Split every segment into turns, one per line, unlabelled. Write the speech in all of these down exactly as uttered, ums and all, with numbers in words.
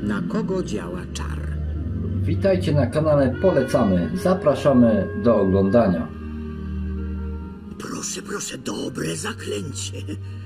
na kogo działa czar.
Witajcie na kanale Polecamy. Zapraszamy do oglądania.
Proszę, proszę, dobre zaklęcie.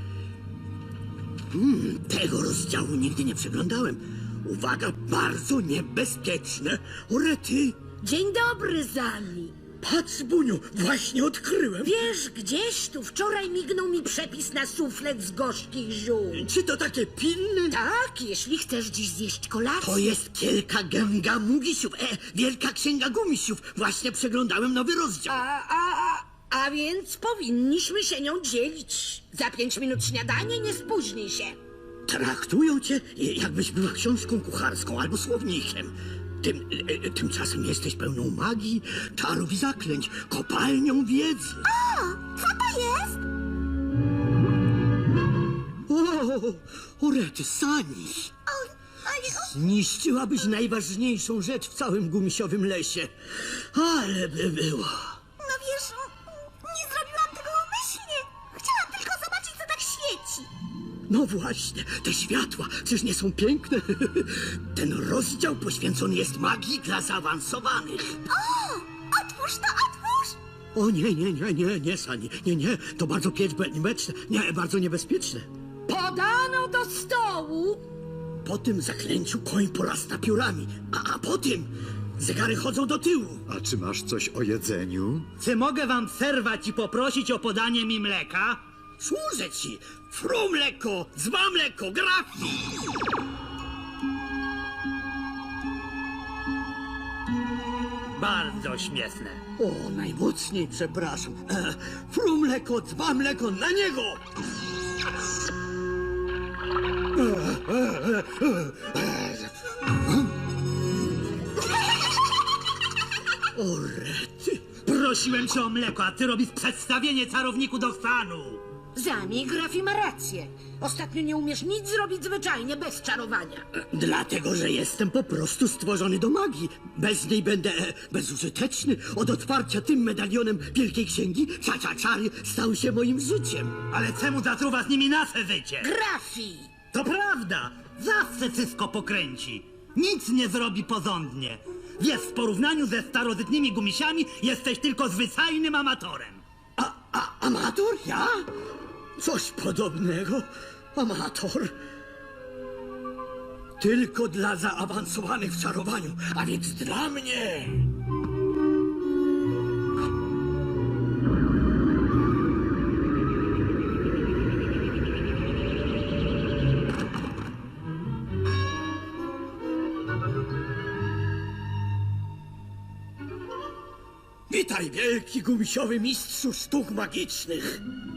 Hmm, tego rozdziału nigdy nie przeglądałem. Uwaga, bardzo niebezpieczne. Orety!
Dzień dobry, Zali.
Patrz, Buniu, właśnie odkryłem.
Wiesz, gdzieś tu wczoraj mignął mi przepis na suflet z gorzkich ziół.
Czy to takie pilne?
Tak, jeśli chcesz dziś zjeść kolację.
To jest Kielka Gęga Mugisiów, e, Wielka Księga Gumisiów. Właśnie przeglądałem nowy rozdział.
A, a, a, a więc powinniśmy się nią dzielić. Za pięć minut śniadanie, nie spóźnij się.
Traktują cię, jakbyś była książką kucharską albo słownikiem. Tym, e, tymczasem jesteś pełną magii, czarów i zaklęć, kopalnią wiedzy.
Co to jest?
O, Orety, Sani! Zniszczyłabyś najważniejszą rzecz w całym gumisiowym lesie. Ale by było.
No wiesz, nie zrobiłam tego umyślnie. Chciałam tylko zobaczyć, co tak świeci.
No właśnie, te światła, czyż nie są piękne? Ten rozdział poświęcony jest magii dla zaawansowanych.
O, otwórz to, otwórz!
O nie, nie, nie, nie, nie, Sani, nie, nie, to bardzo pieczbeczne, nie, bardzo niebezpieczne.
Podano do stołu.
Po tym zaklęciu koń porasta piórami, a, a po tym zegary chodzą do tyłu.
A czy masz coś o jedzeniu?
Czy mogę wam przerwać i poprosić o podanie mi mleka?
Służę ci! Fru mleko, dzba mleko, grafi!
Bardzo śmieszne.
O, najmocniej przepraszam. E, fru mleko, dzba mleko, na niego! O, rety!
Prosiłem cię o mleko, a ty robisz przedstawienie czarowniku do stanu.
Zami, Grafi ma rację. Ostatnio nie umiesz nic zrobić zwyczajnie, bez czarowania.
Dlatego, że jestem po prostu stworzony do magii. Bez niej będę e, bezużyteczny. Od otwarcia tym medalionem Wielkiej Księgi czacza czary stał się moim życiem.
Ale czemu zatruwa z nimi nasze życie?
Grafi!
To prawda, zawsze wszystko pokręci. Nic nie zrobi porządnie. Wiesz, w porównaniu ze starożytnymi gumisiami jesteś tylko zwyczajnym amatorem.
A, a amator? Ja? Coś podobnego. Amator. Tylko dla zaawansowanych w czarowaniu, a więc dla mnie. Witaj, wielki gumisiowy mistrzu sztuk magicznych.